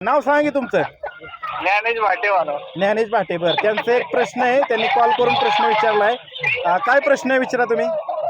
नाव सांगा की तुमचं. ज्ञानेश भाटेवाला. ज्ञानेश भाटे. बरं, त्यांचा एक प्रश्न आहे, त्यांनी कॉल करून प्रश्न विचारलाय. काय प्रश्न आहे विचारा तुम्ही.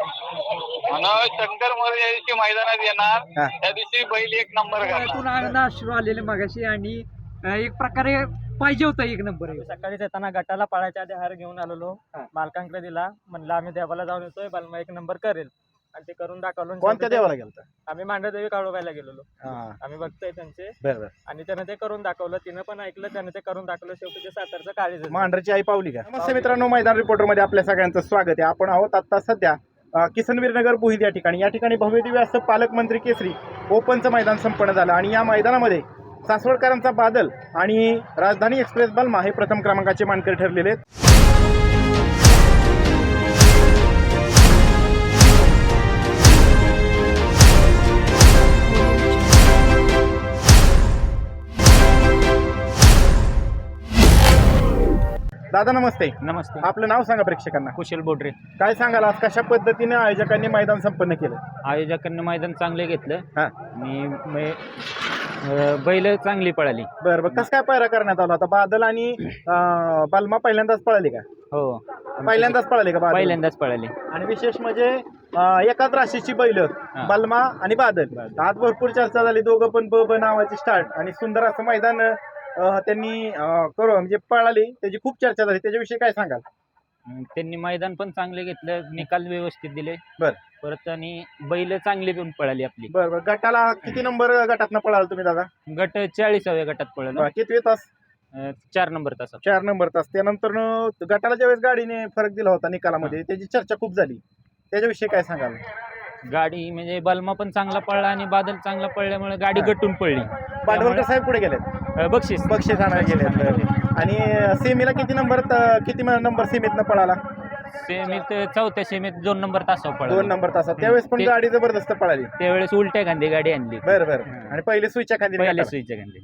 शंकर मोरे या दिवशी मैदानात येणार, हा. त्या दिवशी बैल एक नंबर करणार. अश्रू आलेले मगाशी आणि एक प्रकारे पाहिजे होता एक नंबर. सकाळी येताना गटाला पळायच्या आधी हार घेऊन आलेलो, मालकांकडे दिला, म्हणलं आम्ही देवाला जाऊन येतोय, बालमा एक नंबर करेल, आणि ते करून दाखवलं. कोणत्या देवाला गेलता? आम्ही मांडदेवी काळोबायला गेलेलो. हा. आम्ही बघतोय त्यांचे, बरं. आणि त्यानं ते करून दाखवलं, तिनं पण ऐकलं, त्यानं ते करून दाखवलं. शेवटी ते सातारचं काळीज मांढरची आई पावली का? नमस्ते मित्रांनो, मैदान रिपोर्टर मध्ये आपल्या सगळ्यांचं स्वागत आहे. आपण आहोत आता सध्या किसनवीरनगर बुहिद या ठिकाणी भव्य दिव्य असं पालकमंत्री केसरी ओपनचं मैदान संपन्न झालं, आणि या मैदानामध्ये सासवडकरांचा बादल आणि राजधानी एक्सप्रेस बलमा हे प्रथम क्रमांकाचे मानकरी ठरलेले आहेत. दादा नमस्ते. नमस्ते. आपलं नाव सांगा प्रेक्षकांना. कुशल बोडरे. काय सांगाल आज कशा पद्धतीने आयोजकांनी मैदान संपन्न केलं? आयोजकांनी मैदान चांगले घेतलं हा. आणि बैल चांगली पळाली. बरं कसं काय पायरा करण्यात आला होता? बादल आणि बलमा पहिल्यांदाच पळाली का? हो, पहिल्यांदाच पळाली का बादल? पहिल्यांदाच पळाली. आणि विशेष म्हणजे एकाच राशीची बैल बलमा आणि बादल. आज भरपूर चर्चा झाली, दोघं पण ब नावाची स्टार्ट, आणि सुंदर असं मैदान त्यांनी करू म्हणजे पळाली, त्याची खूप चर्चा झाली. त्याच्याविषयी काय सांगाल? त्यांनी मैदान पण चांगले घेतलं, निकाल व्यवस्थित दिले. बर. परत आणि बैल चांगली पण पळाली आपली. बरं. गटाला किती नंबर गटातनं पळाल तुम्ही दादा? गट 40व्या गटात पळाला. किती तास? 4 नंबर तास. 4 नंबर तास. त्यानंतर गटाला ज्यावेळेस गाडीने फरक दिला होता निकालामध्ये, त्याची चर्चा खूप झाली. त्याच्याविषयी काय सांगाल? गाडी म्हणजे बलमा पण चांगला पळला आणि बादल चांगला पळल्यामुळे गाडी गटून पडली. पाडवलकर साहेब पुढे गेले, बक्षीस आणायला गेले. आणि सेमीला किती नंबर सेमीतनं पळाला? सेमीत 4थ्या सेमीत 2 नंबर तासावर पळाला. 2 नंबर तासात. त्यावेळेस पण गाडी जबरदस्त पळाली. त्यावेळेस उलट्या खांदी गाडी आणली. बरं. आणि पहिले सुईच्या खांदी. पहिल्या सुईच्या खांदी.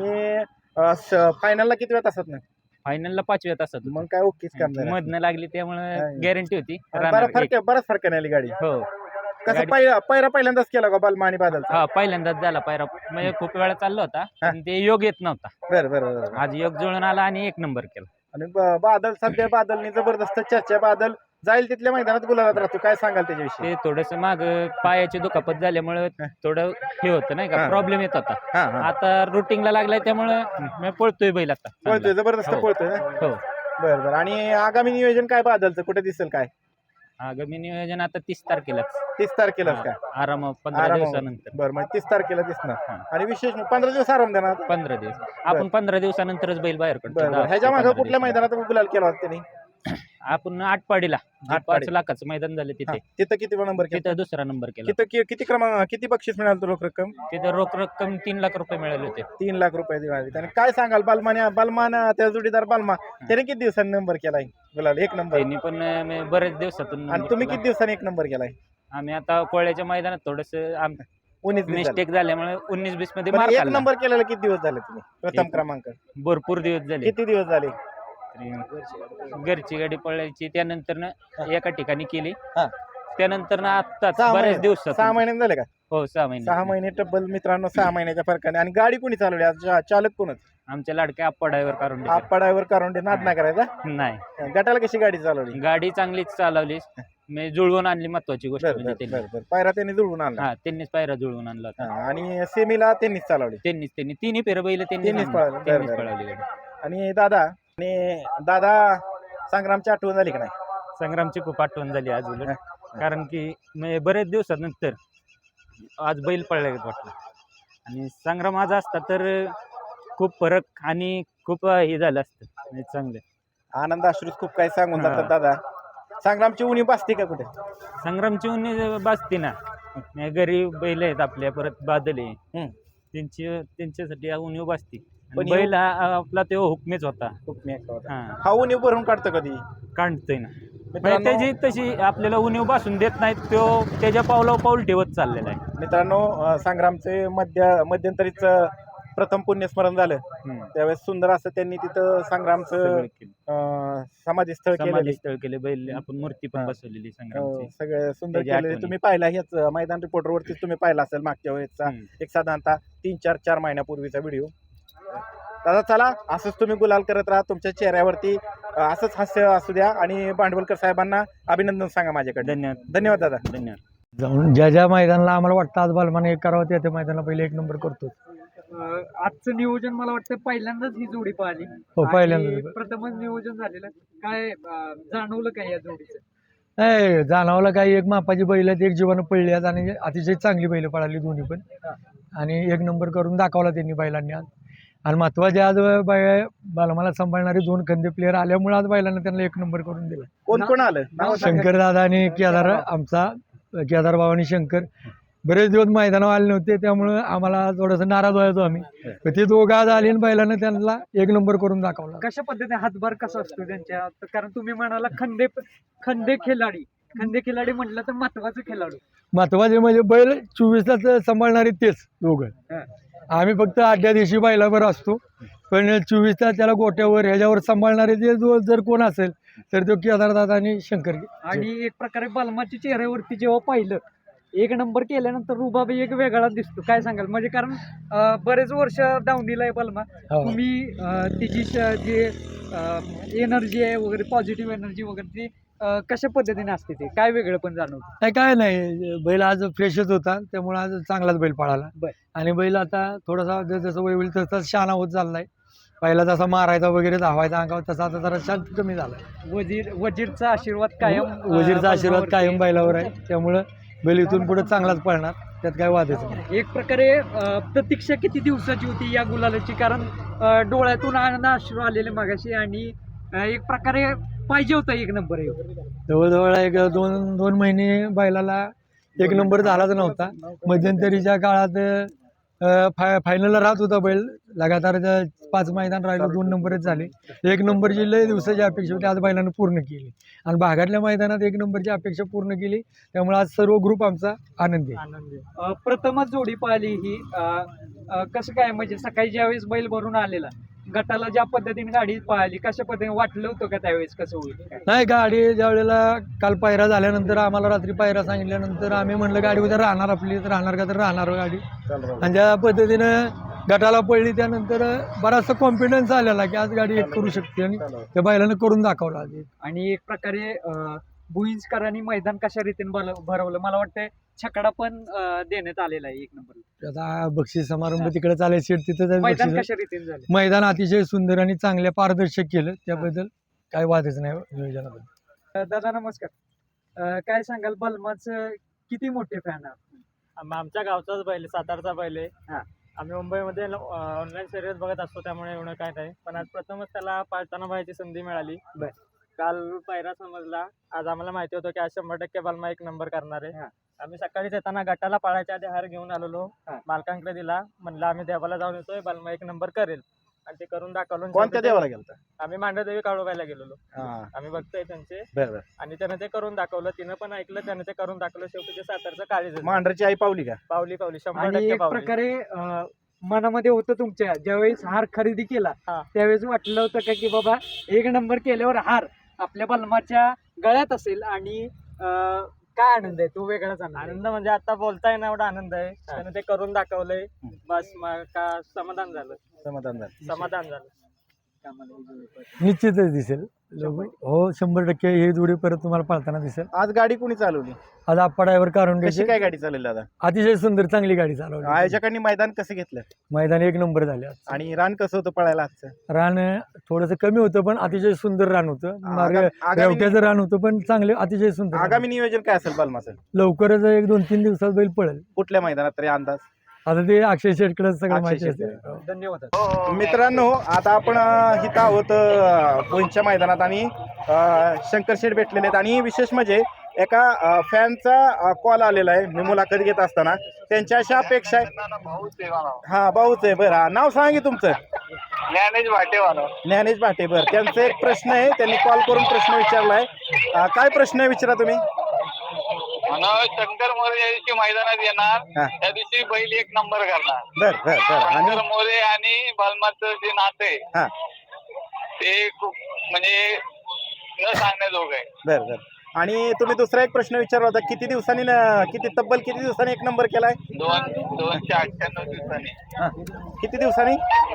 आणि फायनलला किती वेळ तासात ना? फायनलला 5व्या तासात. मग काय ओकेच काम झालं. मधनं लागली त्यामुळे गॅरंटी होती. बराच फरक नाही गाडी. हो. कसं पायरा पहिल्यांदाच केला का बलमा आणि बादल? हा, पहिल्यांदाच झाला पायरा. म्हणजे खूप वेळा चालला होता, पण ते योग येत नव्हता. बरं. आज योग जुळून आला आणि 1 नंबर केला. आणि बादल सध्या बादलनी जबरदस्त चर्चा. बादल जाईल तिथल्या मैदानात गुलाबात राहतो. काय सांगाल त्याच्याविषयी? ते थोडस माग पायाची दुखापत झाल्यामुळे थोडं हे होतं नाही का, प्रॉब्लेम येत होता. आता रुटीनला लागलाय त्यामुळे पळतोय बैल. आता पळतोय, जबरदस्त पळतोय ना. हो. बरं. आणि आगामी नियोजन काय बादलचं, कुठे दिसेल काय? आगामी नियोजन आता 30 तारखेला. 30 तारखेलाच काय? आराम 15 दिवसानंतर. बरं, मग 30 तारखेला दिसणार. आणि विशेष 15 दिवस आराम देणार. 15 दिवस. आपण 15 दिवसानंतरच बैल बाहेर काढतो. ह्याच्या मागे कुठल्या मैदानात गुलाल केला होता त्यांनी? आपण आटपाडीला 5 लाखाचं मैदान झालं तिथे. तिथं किती नंबर केला? तिथं 2रा नंबर केला. तिथं किती बक्षीस मिळालं रोख रक्कम? तिथं रोख रक्कम 3 लाख रुपये मिळाले होते. 3 लाख रुपये दिले. आणि काय सांगाल बलमान त्या जोडीदार बलमा, त्याने किती दिवसांनी नंबर केलाय गुलाल? 1 नंबर. त्यांनी पण बरेच दिवसातून. आणि तुम्ही किती दिवसांनी 1 नंबर केलाय? आम्ही आता कोळ्याच्या मैदानात थोडस 19 मिस्टेक झाल्यामुळे 19-20 मध्ये 1 नंबर केलेला किती दिवस झाले तुम्ही? प्रथम क्रमांक भरपूर दिवस झाले. किती दिवस झाले? घरची गाडी पळायची, त्यानंतर एका ठिकाणी केली, त्यानंतर आत्ताच बऱ्याच दिवसात. 6 महिने झाले का? हो, 6 महिने. 6 महिने टब्बल मित्रांनो, 6 महिन्याच्या फरकाने. आणि गाडी कोणी चालवली आज? चालक कोणच? आमच्या लाडक्या आप्पा ड्रायव्हर काढून. आप्पा ड्रायव्हर काढून नाद नाही करायचा. नाही. गटाला कशी गाडी चालवली? गाडी चांगलीच चालवली, मी जुळवून आणली. महत्वाची गोष्ट म्हणजे पायरा त्यांनी जुळवून आणला. हा, त्यांनीच पायरा जुळवून आणला होता. आणि सेमीला त्यांनीच चालवली. त्यांनी तिन्ही फेर बैल त्यांनीच पळवली गाडी. आणि दादा संग्रामची आठवण झाली का नाही? संग्रामची खूप आठवण झाली आज उलट. कारण की म्हणजे बरेच दिवसानंतर आज बैल पळला वाटलं. आणि संग्राम आज असता तर खूप फरक आणि खूप हे झालं असतं. म्हणजे चांगलं आनंद अश्रूच खूप काही सांगून जातात दादा. संग्रामची उणी बसते का कुठे? संग्रामची उन्ही बाजते ना. गरीब बैल आहेत आपल्या, परत बादल आहे, त्यांच्यासाठी उन्ही बाजते. बैल आपला तो हुकमेच होता. हा उणीव भरून काढतो कधी? काढतोय ना. त्याची तशी आपल्याला उणीव बसून देत नाहीत. तो त्याच्या पावलावर पाऊल ठेवत चाललेला आहे. मित्रांनो, संग्रामचे मध्यंतरीच प्रथम पुण्यस्मरण झालं, त्यावेळेस सुंदर असं त्यांनी तिथं संग्रामचं समाधी स्थळ केले. बैल आपण मूर्ती पण बसवलेली संग्रामची. सगळं सुंदर केलेले तुम्ही पाहिला. ह्याच मैदान रिपोर्टरवरती तुम्ही पाहिला असेल मागच्या वेळेचा एक साधारणतः 3-4 महिन्यापूर्वीचा व्हिडिओ. दादा चला असंच तुम्ही गुलाल करत राहा. तुमच्या चेहऱ्यावरती असंच हास्य असू द्या आणि भांडवलकर साहेबांना अभिनंदन सांगा माझ्याकडे. धन्यवाद. धन्यवाद दादा. धन्यवाद. जाऊन ज्या ज्या मैदानाला आम्हाला वाटतं आज बालमाने एक करावं त्या मैदानाला पहिले एक नंबर करतो. आजचं नियोजन मला वाटतं पहिल्यांदाच ही जोडी पाहिली. हो, पहिल्यांदाच. आणि प्रथमच नियोजन झालेलं. काय जाणवलं काय या जोडीचं? नाही जाणवलं काही एक मापाची बैल आहेत, एक जीवानं पडली आहेत आणि अतिशय चांगली बैल पळाली दोन्ही पण. आणि एक नंबर करून दाखवला त्यांनी बैलांनी आज. आणि महत्वाचे आज बालमाला सांभाळणारे 2 खंदे प्लेअर आल्यामुळे आज बैलांना त्यांना एक नंबर करून दिला. कोण कोण आलं नाव सांगा. शंकर दादा आणि केदार, आमचा केदार भाऊ आणि शंकर बरेच दिवस मैदानावर आले नव्हते, त्यामुळे आम्हाला थोडंसं नाराज व्हायचो आम्ही. पण ते दोघं आज आले आणि बैलांना त्यांना एक नंबर करून दाखवला. कशा पद्धतीने हातभार कसा असतो त्यांच्या? कारण तुम्ही म्हणाला खंदे खिलाडी म्हटलं तर महत्वाचं खेळाडू. महत्वाचे म्हणजे बैल 24 तास सांभाळणारे तेच दोघं. आम्ही फक्त आठव्या दिवशी बैलावर असतो, पण 24 तास त्याला गोट्यावर ह्याच्यावर सांभाळणारे ते जर कोण असेल तर तो केदारदादा आणि शंकर. आणि एक प्रकारे बलमाच्या चेहऱ्यावरती जेव्हा पाहिलं एक नंबर केल्यानंतर रुबाब एक वेगळा दिसतो. काय सांगाल? म्हणजे कारण बरेच वर्ष दावणीला आहे बलमा. तुम्ही तिची जी एनर्जी आहे वगैरे, पॉझिटिव्ह एनर्जी वगैरे, ती कशा पद्धतीने असते ते काय वेगळं पण जाणवतं? नाही काय नाही, बैल आज फ्रेशच होता त्यामुळे आज चांगलाच बैल पळाला. आणि बैल आता थोडासा जसं वय होईल तसा शहाणा होत चाललाय. पहिला जसा मारायचा वगैरे धावायचा अंगावर तसा आता जरा शांत कमी झालाय. वजीरचा आशीर्वाद कायम वजीरचा आशीर्वाद कायम बैलावर आहे, त्यामुळं बैल इथून पुढे चांगलाच पळणार, त्यात काय वादच नाही. एक प्रकारे प्रतीक्षा किती दिवसाची होती या गुलालाची? कारण डोळ्यातून आनंद अश्रू आलेले मागाशी आणि एक प्रकारे पाहिजे होता एक नंबर. जवळजवळ एक दोन महिने बैलाला एक नंबर झालाच नव्हता. मध्यंतरीच्या काळात फायनलला राहत होता बैल. लगातार 5 मैदान राहिलं 2 नंबरच झाले. एक नंबरची लय दिवसाची अपेक्षा होती, आज बैलानं पूर्ण केली. आणि भागातल्या मैदानात एक नंबरची अपेक्षा पूर्ण केली, त्यामुळे आज सर्व ग्रुप आमचा आनंदी. प्रथमच जोडी पाहिली ही. कसं काय म्हणजे सकाळी ज्यावेळेस बैल भरून आलेला गटाला ज्या पद्धतीने गाडी पाहिली, कशा पद्धतीने वाटलं होतं का त्यावेळेस कसं होईल? नाही, गाडी ज्या वेळेला काल पायरा झाल्यानंतर आम्हाला रात्री पायरा सांगितल्यानंतर आम्ही म्हणलं गाडी उद्या राहणार आपली, तर राहणार का तर राहणार गाडी. आणि ज्या पद्धतीनं गटाला पडली त्यानंतर बराचसा कॉन्फिडन्स आलेला की आज गाडी एक करू शकते आणि त्या बैलानं करून दाखवला. आणि एक प्रकारे भुईंजकरांनी मैदान कशा रीतीने भरवलं? मला वाटतं छकडा पण देण्यात आलेला आहे एक नंबर. आता बक्षीस समारंभ तिकडे चालाय सीट तिथं मैदान कशा रीतीने झालं? मैदान अतिशय सुंदर आणि चांगल्या पारदर्शक केलं, त्याबद्दल काय वादच नाही नियोजनाबद्दल. दादा नमस्कार. काय सांगाल? बलमाचं किती मोठे फॅन आहात? आमच्या गावचाच बैल, सातारचा बैल आहे. हा. आम्ही मुंबईमध्ये ऑनलाईन शर्यत बघत असतो, त्यामुळे एवढं काय नाही. पण आज प्रथमच त्याला पाळताना पाहायची संधी मिळाली. काल पायरा समजला, आज आम्हाला माहिती होतं की आज 100% बलमा एक नंबर करणार आहे. आम्ही सकाळीच येताना गटाला पाळायच्या आधी हार घेऊन आलेलो, मालकांकडे दिला, म्हणलं आम्ही देवाला जाऊन येतोय, बलमा एक नंबर करेल, आणि ते करून दाखवलं. कोणत्या देवाला गेलता? आम्ही मांडदेवी काळोबायला गेलेलो. आम्ही बघतोय त्यांचे. आणि त्यानं ते करून दाखवलं, तिनं पण ऐकलं, त्यानं ते करून दाखवलं. शेवटी ते सातारचं काळीज मांढरची आई पावली का? पावली 100% एक पावली. प्रकारे मनामध्ये होतं तुमच्या ज्यावेळेस हार खरेदी केला त्यावेळेस वाटलं होतं का की बाबा एक नंबर केल्यावर हार आपल्या बलमाच्या गळ्यात असेल? आणि काय आनंद आहे तो? वेगळाच आनंद म्हणजे आता बोलता येणार एवढा आनंद आहे. त्यानं ते करून दाखवलंय, बस का समाधान झालं. समाधान झालं. निश्चितच दिसेल. हो 100% ही जोडी परत तुम्हाला पाळताना दिसेल. आज गाडी कोणी चालवली? आज आप्पा ड्रायव्हर काढून कशी काय गाडी चालवली दादा? अतिशय सुंदर चांगली गाडी चालवली. आयोजकांनी मैदान कसं घेतलं? मैदान एक नंबर झाले. आणि रान कसं होतं पळायला आजचं? रान थोडंसं कमी होतं पण अतिशय सुंदर रान होतं. रेवट्याचं रान होतं पण चांगले, अतिशय सुंदर. आगामी नियोजन काय असेल बलमाचं? लवकरच 1-2-3 दिवसात बैल पळेल. कुठल्या मैदानात तरी अंदाज? आता ते अक्षय शेटकडे सगळं माहिती असते. धन्यवाद. मित्रांनो, आता आपण इथं आहोत भुईंजच्या मैदानात आणि शंकर शेठ भेटलेले आहेत. आणि विशेष म्हणजे एका फॅनचा कॉल आलेला आहे मी मुलाखत घेत असताना. त्यांच्या अशा अपेक्षा आहे. हा भाऊच आहे. बरं, नाव सांगा की तुमचं? ज्ञानेश भाटेवानो. ज्ञानेश भाटे. बरं, त्यांचा एक प्रश्न आहे, त्यांनी कॉल करून प्रश्न विचारलाय. काय प्रश्न आहे विचारा तुम्ही. शंकर मोरे या दिवशी मैदानात येणार, त्या दिवशी बैल एक नंबर करणार. बर. आणि शंकर मोरे आणि बलमाचं जे नातं आहे ते खूप म्हणजे न सांगण्याजोगं आहे. बर. आणि तुम्ही दुसरा एक प्रश्न विचारला होता, किती तब्बल किती दिवसांनी एक नंबर केलाय? 298 दिवसांनी. हा. किती दिवसांनी?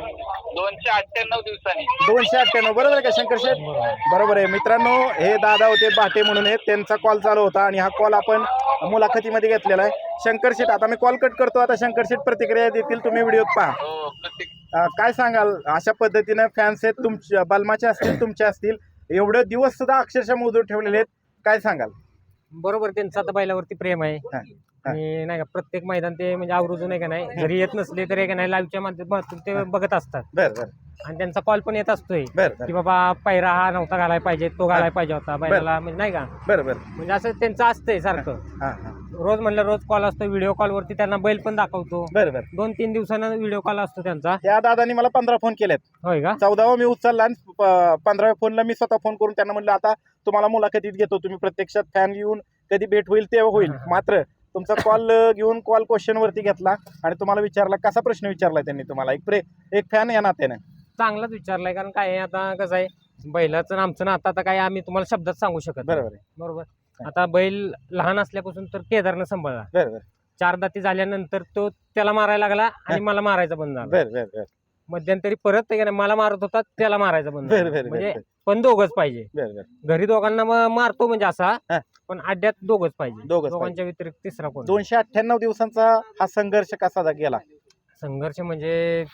298 दिवसांनी. 298. बरोबर आहे का शंकर शेठ? बरोबर आहे मित्रांनो, हे दादा होते बाटे म्हणून आहेत, त्यांचा कॉल चालू होता आणि हा कॉल आपण मुलाखतीमध्ये घेतलेला आहे. शंकर शेठ, आता मी कॉल कट करतो. आता शंकर शेठ प्रतिक्रिया देतील, तुम्ही व्हिडिओत पहा. हो, प्रत्येक काय सांगाल अशा पद्धतीनं फॅन्स आहेत तुमच्या, बलमाचे असतील तुमचे असतील, एवढे दिवस सुद्धा अक्षरशः मोजून ठेवलेले आहेत, काय सांगाल? बरोबर, त्यांचं आता बैलावरती प्रेम आहे हा. आणि नाही का प्रत्येक मैदान ते म्हणजे आवर्जून आहे का नाही, जरी येत नसले तरी का नाही लाईव्हच्या माध्यमातून ते बघत असतात बरं आणि त्यांचा कॉल पण येत असतोय बरं की बाबा पैरा हा नव्हता घालायला पाहिजे, तो घालायला पाहिजे होता बैलाला, म्हणजे नाही का, बरं बरं. म्हणजे असं त्यांचं असतंय सारखं. हां हां. रोज म्हणलं रोज कॉल असतो, व्हिडिओ कॉलवरती त्यांना बैल पण दाखवतो. बरं बरं. 2-3 दिवसानं व्हिडिओ कॉल असतो त्यांचा. त्या दादानी मला 15 फोन केलेत. होय का? 14वा मी उचलला आणि 15व्या फोनला मी स्वतः फोन करून त्यांना म्हणलं आता तुम्हाला मुलाखतीत घेतो, तुम्ही प्रत्यक्षात फॅन येऊन कधी भेट होईल तेव्हा होईल. मात्र तुमचा कॉल घेऊन कॉल क्वेश्चन वरती घेतला आणि तुम्हाला विचारला, कसा प्रश्न विचारला त्यांनी तुम्हाला एक फॅन या नात्याने? चांगलाच विचारलाय, कारण काय आहे, आता कसं आहे बैलाचं आणि आमचं नातं आता काय आम्ही तुम्हाला शब्दात सांगू शकत नाही. बरोबर आहे. बरोबर. आता बैल लहान असल्यापासून तर केदारनं सांभाळला, बरं बरं 4 दाती झाल्यानंतर तो त्याला मारायला लागला आणि मला मारायचा बंद झाला. बरं बरं बरं मध्यंतरी परत ते का नाही, मला मारत होता, त्याला मारायचा बंद बरं झाला. बरं म्हणजे बरं पण दोघच पाहिजे. बरं बरं. घरी दोघांना मारतो म्हणजे असा, हा. पण अड्ड्यात दोघच पाहिजे. दोघंच दोघांच्या व्यतिरिक्त तिसरा कोण? 298 दिवसांचा हा संघर्ष कसा गेला? संघर्ष म्हणजे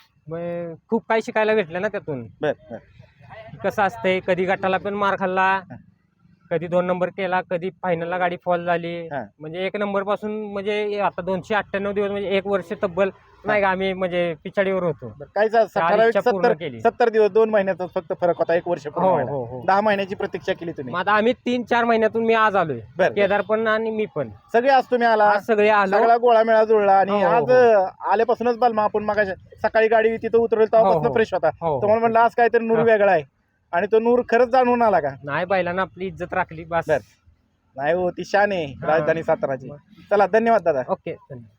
खूप काही शिकायला भेटलं ना त्यातून. बरं बरं. कसं असतंय, कधी गटाला पण मार खाल्ला, कधी 2 नंबर केला, कधी फायनलला गाडी फॉल झाली. हा. म्हणजे 1 नंबर पासून म्हणजे आता 298 दिवस म्हणजे 1 वर्ष तब्बल नाही का आम्ही म्हणजे पिछाडीवर होतो. काय ठराविक इच्छा पूर्ण केली. 70 दिवस, 2 महिन्याचा फक्त फरक होता, 1 वर्ष पूर्ण हो व्हायला. हो हो. 10 महिन्याची प्रतीक्षा केली तुम्ही. मग आता आम्ही 3-4 महिन्यातून मी आज आलोय, बरं केदार पण आणि मी पण सगळे आज तुम्ही आला, आज सगळे आलो. सगळा गोळा मेळा जुळला आणि हो, हो, आज आल्यापासूनच बलमा आपण मग सकाळी गाडी तिथं उतरवली हो, तेव्हापासून हो. फ्रेश होता. हो, हो. तुम्हाला म्हणलं आज काहीतरी नूर हा. वेगळा आहे आणि तो नूर खरंच जाणून आला का? नाही, बैलांना आपली इज्जत राखली बस. बरं. नाही हो, ती शान आहे राजधानी साताराची. चला, धन्यवाद दादा. ओके, धन्यवाद.